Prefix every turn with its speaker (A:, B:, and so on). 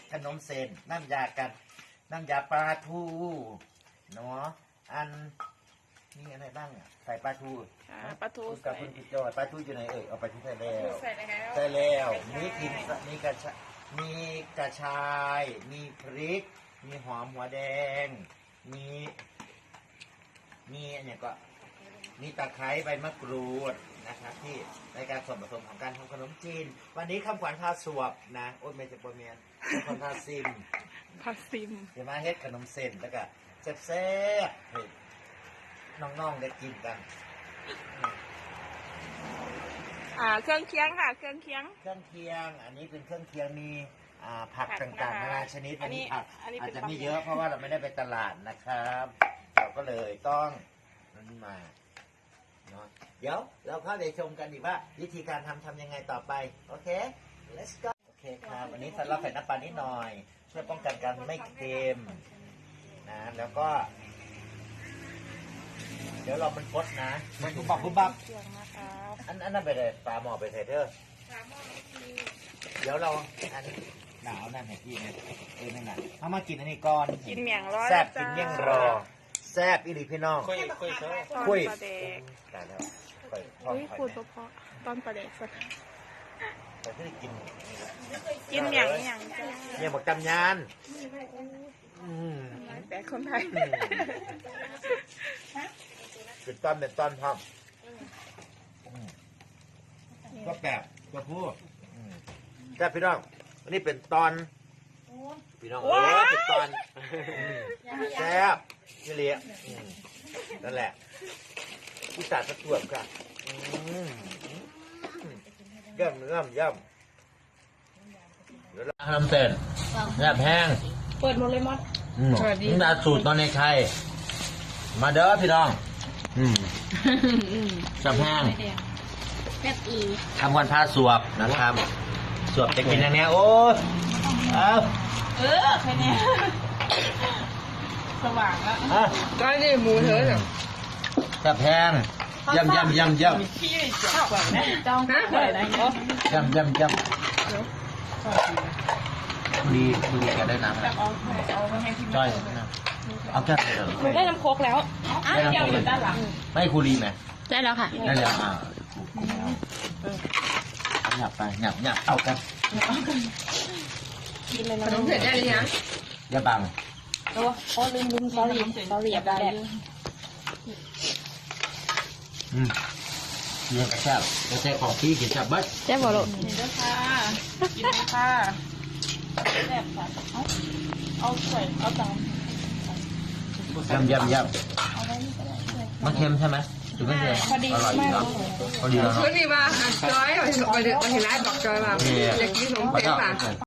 A: ขนมเส้นน้ำยากันน้ำยาปลาทูเนาะอันนี่อะไรบ้างอ่ะใส่ปลาทู
B: ปลาทู
A: กับ
B: ใส่
A: คุณกิจจอยปลาทูอยู่ไหนเอาปลาทูใส่แล้ว
B: ใส่แล้ว
A: ใส่แล้วมีกินมีกระชายมีกระชาย มีพริก มีหอมหัวแดง มีอันนี้ก็มีตะไคร้ใบมะกรูดนะครับที่ในการส่วนผสมของการทำขนมจีนวันนี้คำขวัญพาสวบนะโอ้ยไม่ใช่ปอเมียนคนพาซิม
B: ผักซิม
A: เดี๋ยวมาเฮ็ดขนมเส้นแล้วก็แซ่บๆให้น้องๆได้กินกัน
B: เครื่องเคียงค่ะเครื่องเคียง
A: เครื่องเคียงอันนี้เป็นเครื่องเคียงมีผักต่างๆนานาชนิด
B: อันนี้
A: ผัก
B: อันนี้
A: อาจ
B: เป็น
A: จะไม่เยอะเพราะว่าเราไม่ได้ไปตลาดนะครับเราก็เลยต้องนั่นมาเนาะเดี๋ยวเราเข้าไปชมกันดีว่าวิธีการทำยังไงต่อไปโอเค let's go โอเคครับวันนี้ใส่เราใส่น้ำปลานิดหน่อยเพื่อป้องกันการไม่เค็มนะแล้วก็ เดี๋ยวเรามันพดนะมันบุบบับบุบบับ
B: เครื่องนะคะ
A: อันนั้นไปเลยปลาหมอไปใส่เถอะเดี๋ยวเราอันหนาวนั่นเห็นพี่เนี่ยนั่นน่ะเอามากินอันนี้ก่อน
B: กินเมี่ยงร้อย
A: แซ่บกินเมี่ยงรอแซ่บอีหลีพี่น้อง
B: คุย
A: คุย
B: ปลาเด็ก
A: ตายแล้วค่อยทอด
B: อุ้ย
A: ค่อย
B: ขูดเพาะตอนปลาเด็กสด
A: แต่ที่กิน
B: กินเมี่ยงจ้า
A: เนี่ยหมกจำยานอืม
B: แต่คนไทย
A: เป็นต้นเป็นต้นพร้อมก็แบบก็พูดแซ่บพี่น้องอันนี้เป็นตอนพี่น้องเป็นตอนแซ่บนี่เลี้ยนั่นแหละผู้สาดตะกั่วค่ะย่ำเดี๋ยวเราทำเสร็จแซ่บแห้ง
B: เปิดหมดเลยมด
A: สวัสดีนี่สูตรตอนในไทยมาเด้อพี่น้องแซ่บแห้ง
B: แบบอี
A: ทำวันพาสวบนะครับสวบจะกินอย่างเนี้ยโอ้เอา
B: แค่นี้สว่างแล้ว
A: อ่ะ
B: ก็นี่หมูเธอเนี่ย
A: แซ่บแห้งย่ำ
B: พี่ชอบแบบนี้จ้องเปิดอะไรเนาะ
A: ย่ำดีจะได้น้ำนะ
B: เอาไปให้พี่
A: จ้อยนะเอาแค่เถอะ
B: หนูได้น้ำโคกแล้ว
A: ได้น้ำโคกเลยไม่ครูดีไหม
B: ได้แล้วค่ะ
A: ได้แล้วหยับไปหยับเอากัน
B: กินเลยนะขนมเสร็จได้หรือยัง
A: อย่าบัง
B: โอ้ลืมซอรี่แบบ
A: เรื่องกระแซบกระแซบของพี่กินจับบัด
B: แซ่บบ่ลูกนี่ด้วยค่ะกินไหมค่ะแซ่บค่ะเอาถ้วยเอาจาน
A: ย่ำมันเค็มใช่ไหมหรือไม่เค็มอร่อยดีเนาะพอดีแล้วเนาะ
C: วันนี้มาจอยเอาเห็นร้านบอกจอยมาอยากกินขนมเปี๊ยะป่ะ